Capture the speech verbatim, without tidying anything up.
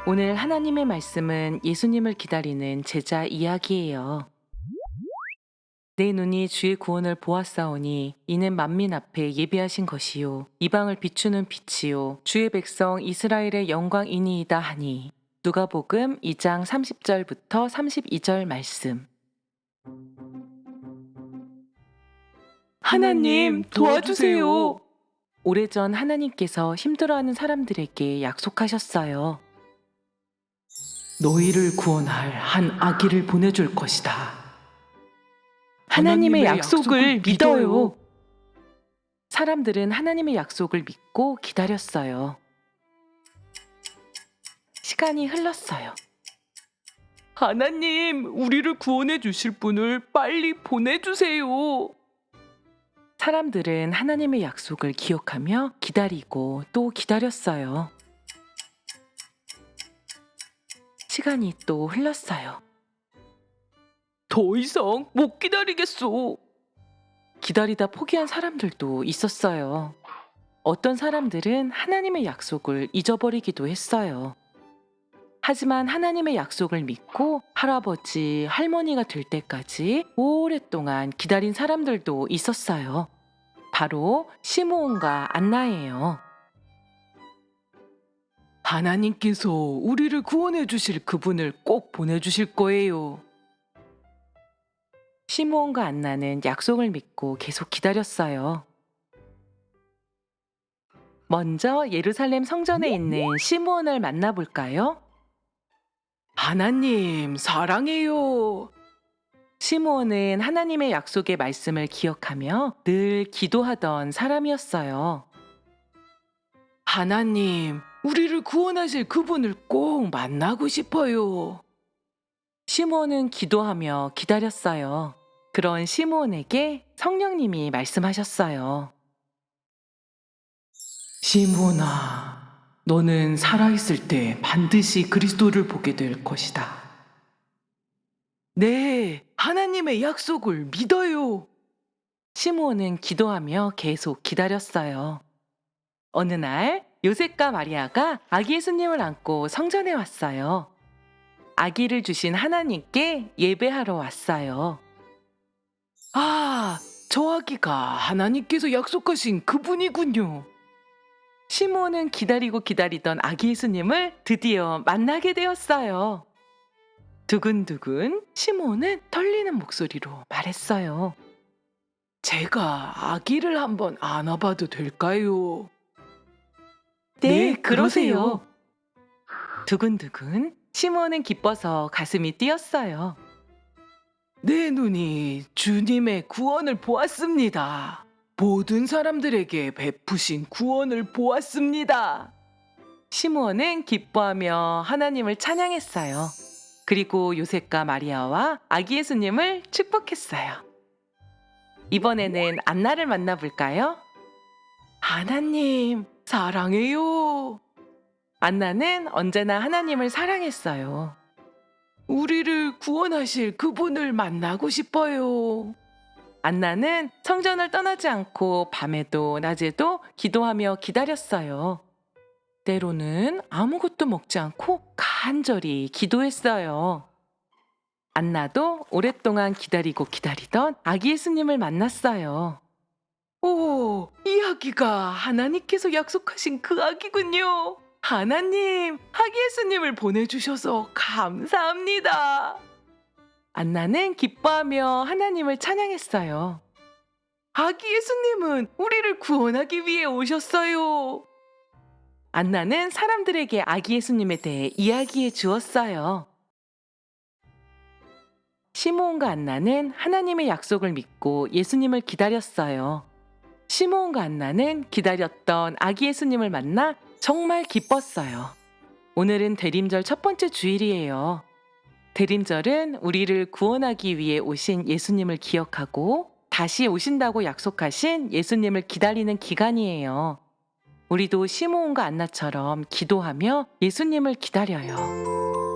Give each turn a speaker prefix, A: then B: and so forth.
A: 오늘 하나님의 말씀은 예수님을 기다리는 제자 이야기예요. 내 눈이 주의 구원을 보았사오니 이는 만민 앞에 예비하신 것이요 이방을 비추는 빛이요 주의 백성 이스라엘의 영광이니이다 하니. 누가복음 이 장 삼십 절부터 삼십이 절 말씀. 하나님 도와주세요. 오래전 하나님께서 힘들어하는 사람들에게 약속하셨어요. 너희를 구원할 한 아기를 보내줄 것이다. 하나님의 약속을 믿어요. 사람들은 하나님의 약속을 믿고 기다렸어요. 시간이 흘렀어요. 하나님, 우리를 구원해 주실 분을 빨리 보내주세요. 사람들은 하나님의 약속을 기억하며 기다리고 또 기다렸어요. 시간이 또 흘렀어요. 더 이상 못 기다리겠소. 기다리다 포기한 사람들도 있었어요. 어떤 사람들은 하나님의 약속을 잊어버리기도 했어요. 하지만 하나님의 약속을 믿고 할아버지, 할머니가 될 때까지 오랫동안 기다린 사람들도 있었어요. 바로 시므온과 안나예요. 하나님께서 우리를 구원해 주실 그분을 꼭 보내주실 거예요. 시므온과 안나는 약속을 믿고 계속 기다렸어요. 먼저 예루살렘 성전에 있는 시므온을 만나볼까요? 하나님, 사랑해요. 시므온은 하나님의 약속의 말씀을 기억하며 늘 기도하던 사람이었어요. 하나님, 우리를 구원하실 그분을 꼭 만나고 싶어요. 시므온은 기도하며 기다렸어요. 그런 시므온에게 성령님이 말씀하셨어요. 시므온아, 너는 살아있을 때 반드시 그리스도를 보게 될 것이다. 네, 하나님의 약속을 믿어요. 시므온은 기도하며 계속 기다렸어요. 어느 날 요셉과 마리아가 아기 예수님을 안고 성전에 왔어요. 아기를 주신 하나님께 예배하러 왔어요. 아, 저 아기가 하나님께서 약속하신 그분이군요. 시므온은 기다리고 기다리던 아기 예수님을 드디어 만나게 되었어요. 두근두근 시므온은 떨리는 목소리로 말했어요. 제가 아기를 한번 안아봐도 될까요? 네, 그러세요. 두근두근 시므온은 기뻐서 가슴이 뛰었어요. 내 눈이 주님의 구원을 보았습니다. 모든 사람들에게 베푸신 구원을 보았습니다. 시므온은 기뻐하며 하나님을 찬양했어요. 그리고 요셉과 마리아와 아기 예수님을 축복했어요. 이번에는 안나를 만나볼까요? 하나님, 사랑해요. 안나는 언제나 하나님을 사랑했어요. 우리를 구원하실 그분을 만나고 싶어요. 안나는 성전을 떠나지 않고 밤에도 낮에도 기도하며 기다렸어요. 때로는 아무것도 먹지 않고 간절히 기도했어요. 안나도 오랫동안 기다리고 기다리던 아기 예수님을 만났어요. 오, 이 아기가 하나님께서 약속하신 그 아기군요. 하나님, 아기 예수님을 보내주셔서 감사합니다. 안나는 기뻐하며 하나님을 찬양했어요. 아기 예수님은 우리를 구원하기 위해 오셨어요. 안나는 사람들에게 아기 예수님에 대해 이야기해 주었어요. 시므온과 안나는 하나님의 약속을 믿고 예수님을 기다렸어요. 시므온과 안나는 기다렸던 아기 예수님을 만나 정말 기뻤어요. 오늘은 대림절 첫 번째 주일이에요. 대림절은 우리를 구원하기 위해 오신 예수님을 기억하고 다시 오신다고 약속하신 예수님을 기다리는 기간이에요. 우리도 시므온과 안나처럼 기도하며 예수님을 기다려요.